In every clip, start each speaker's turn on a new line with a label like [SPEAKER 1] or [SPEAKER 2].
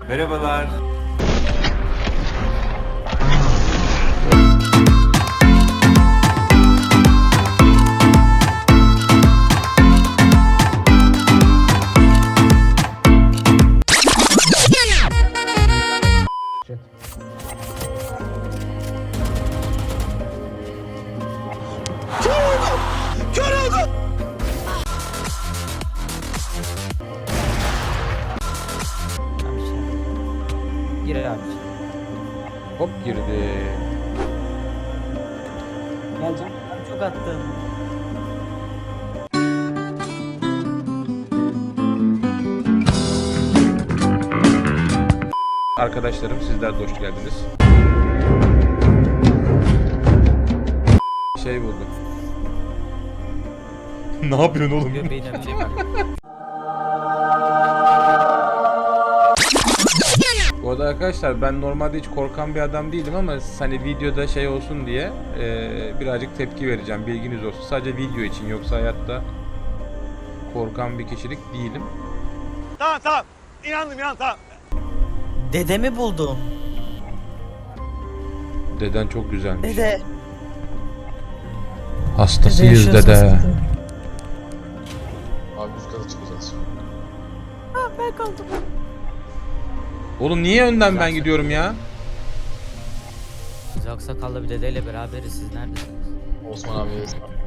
[SPEAKER 1] Merhabalar.
[SPEAKER 2] Gir abi.
[SPEAKER 3] Hop girdi.
[SPEAKER 2] Geleceğim. Çok attım.
[SPEAKER 3] Arkadaşlarım sizler de hoş geldiniz. Şey buldum. Ne yapıyorsun oğlum?
[SPEAKER 2] Göbeğine bir şey var.
[SPEAKER 3] Bu arada arkadaşlar ben normalde hiç korkan bir adam değilim ama hani videoda şey olsun diye birazcık tepki vereceğim, bilginiz olsun. Sadece video için, yoksa hayatta korkan bir kişilik değilim.
[SPEAKER 4] Tamam. İnandım tamam.
[SPEAKER 2] Dedemi buldum.
[SPEAKER 3] Deden çok güzelmiş.
[SPEAKER 2] Dede.
[SPEAKER 3] Hastasıyız
[SPEAKER 2] Dede
[SPEAKER 3] dede.
[SPEAKER 2] yaşasın.
[SPEAKER 5] Abi üst kata çıkacağız.
[SPEAKER 2] Ben kaldım.
[SPEAKER 3] Oğlum niye önden ben gidiyorum ya?
[SPEAKER 2] Biz aksakallı bir dedeyle beraberiz. Siz neredesiniz?
[SPEAKER 5] Osman abiye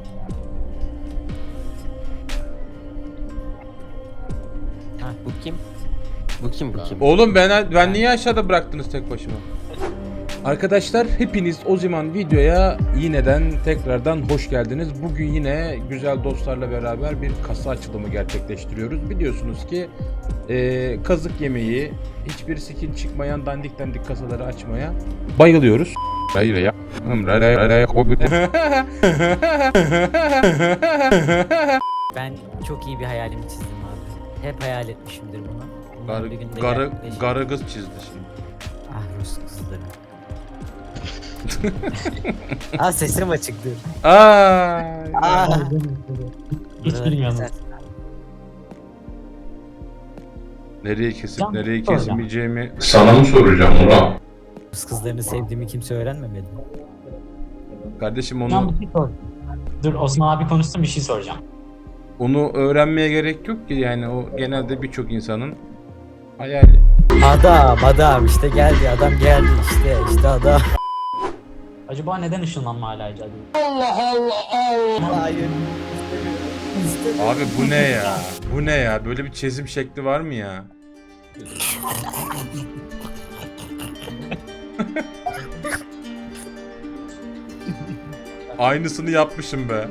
[SPEAKER 6] Ha, bu kim? Bu kim bu kim?
[SPEAKER 3] Oğlum ben niye aşağıda bıraktınız tek başıma? Arkadaşlar hepiniz o zaman videoya yineden tekrardan hoş geldiniz. Bugün yine güzel dostlarla beraber bir kasa açılımı gerçekleştiriyoruz. Biliyorsunuz ki kazık yemeği, hiçbir skin çıkmayan dandik kasaları açmaya bayılıyoruz. Hayır ya.
[SPEAKER 2] Ben çok iyi bir hayalimi çizdim abi. Hep hayal etmişimdir bunu. Umarım bir gün de gerçekleşir.
[SPEAKER 3] Garı kız çizdi şimdi.
[SPEAKER 2] Ah Rus kızları. Ah sesim açıktı. Ah.
[SPEAKER 7] Hiç bilmiyorum.
[SPEAKER 3] Nereye kesip nereye
[SPEAKER 7] Soracağım.
[SPEAKER 3] kesmeyeceğimi sana mı soracağım ulan?
[SPEAKER 2] Rus kızlarını sevdiğimi kimse öğrenmemeli.
[SPEAKER 3] Kardeşim
[SPEAKER 7] Hocam bir şey sor. Dur Osman abi konuşsun, bir şey soracağım.
[SPEAKER 3] onu öğrenmeye gerek yok ki, yani o genelde birçok insanın hayali.
[SPEAKER 2] Adam işte geldi, adam geldi işte adam.
[SPEAKER 7] Acaba neden ışınlanma hala icat ediyor?
[SPEAKER 2] Hayır.
[SPEAKER 3] Abi bu ne ya? Bu ne ya? Böyle bir çizim şekli var mı ya? Aynısını yapmışım be.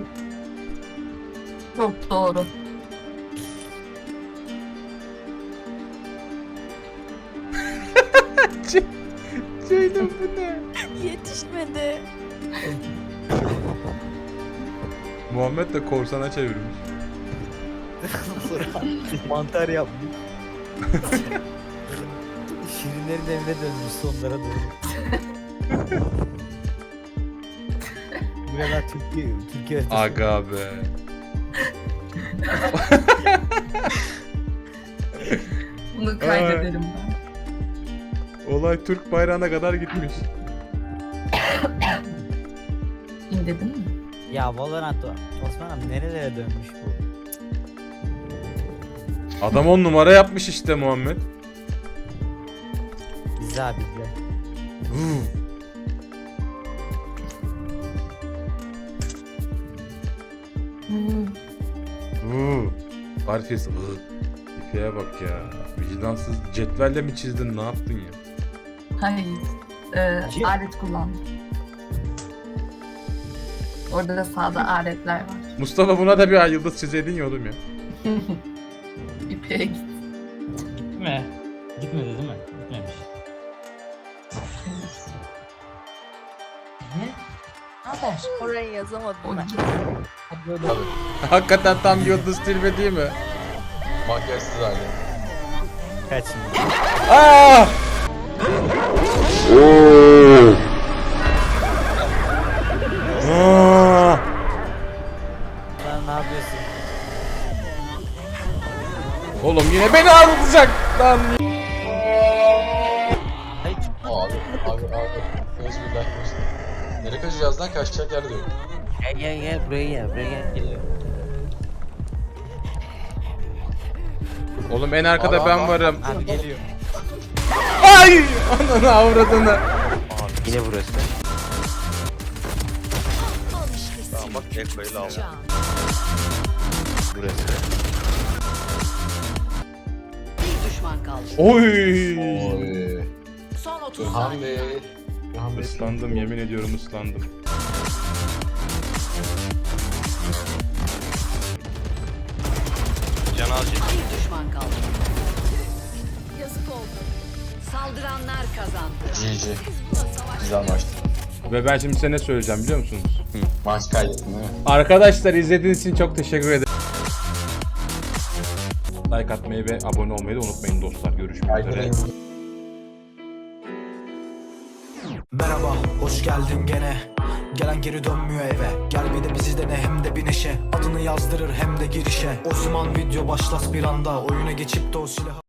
[SPEAKER 8] Çok doğru.
[SPEAKER 3] Ceylin bu ne?
[SPEAKER 8] Yetişmedi.
[SPEAKER 3] Muhammed de korsana çevirmiş.
[SPEAKER 2] Mantar yapmış. Şirinlerin evine dönmüş sonlara doğru. Buralar Türkiye haritası.
[SPEAKER 3] Aga be.
[SPEAKER 8] Bunu kaydederim ben.
[SPEAKER 3] Olay Türk bayrağına kadar gitmiş.
[SPEAKER 8] İndirdin mi?
[SPEAKER 2] Ya Valorant Osman abi nerelere dönmüş bu?
[SPEAKER 3] Adam 10 numara yapmış işte Muhammed.
[SPEAKER 2] Bize abi bize.
[SPEAKER 3] Farfes İpeğe bak ya. Vicdansız cetvelle mi çizdin, ne yaptın ya?
[SPEAKER 8] Hayır. Alet kullandım. Orada da sağda aletler var.
[SPEAKER 3] Mustafa buna da bir ay yıldız çizeydin ya oğlum ya.
[SPEAKER 8] İpeğe git.
[SPEAKER 7] Gitti mi? Gitmedi değil mi? Gitmemiş.
[SPEAKER 9] Orayı yazamadım
[SPEAKER 8] O
[SPEAKER 9] ben.
[SPEAKER 8] git.
[SPEAKER 3] Hakikaten tam yıldız tilbe değil mi?
[SPEAKER 5] makyajsız hali.
[SPEAKER 2] Kaç şimdi?
[SPEAKER 3] Ah!
[SPEAKER 2] Lan ne yapıyorsun?
[SPEAKER 3] Oğlum yine beni ağlatacak lan.
[SPEAKER 5] Özgürler olsun. Nereye kaçacağız lan? Kaçacak yer de yok.
[SPEAKER 6] Gel buraya gel buraya gel.
[SPEAKER 2] Geliyor.
[SPEAKER 3] Oğlum en arkada
[SPEAKER 5] Aa,
[SPEAKER 3] ben
[SPEAKER 5] aa,
[SPEAKER 3] varım.
[SPEAKER 2] Abi geliyor.
[SPEAKER 3] Ay! Ananı avradını.
[SPEAKER 6] Yine burası.
[SPEAKER 1] Tamam bak Eko'yu aldım.
[SPEAKER 6] Burası.
[SPEAKER 9] Bir düşman kaldı.
[SPEAKER 3] Oy!
[SPEAKER 5] Oy.
[SPEAKER 9] Son 30
[SPEAKER 5] Burhan
[SPEAKER 9] saniye.
[SPEAKER 5] Bey. Burhan Bey.
[SPEAKER 3] Islandım, yemin ediyorum ıslandım.
[SPEAKER 1] Can alacak.
[SPEAKER 9] Bir düşman kaldı. Yazık oldu. Saldıranlar kazandı.
[SPEAKER 5] GG. Güzel maçtı.
[SPEAKER 3] Ve ben şimdi size ne söyleyeceğim biliyor musunuz?
[SPEAKER 5] Maç kaydettin değil mi?
[SPEAKER 3] Arkadaşlar izlediğiniz için çok teşekkür ederim. Like atmayı ve abone olmayı da unutmayın dostlar. Görüşmek üzere.
[SPEAKER 5] Kaydedin.
[SPEAKER 10] Merhaba, hoş geldin gene. Gelen geri dönmüyor eve. Gel bir de bizi dene hem de bir neşe. Adını yazdırır hem de girişe. O zaman video başlas bir anda. Oyuna geçip de o silahı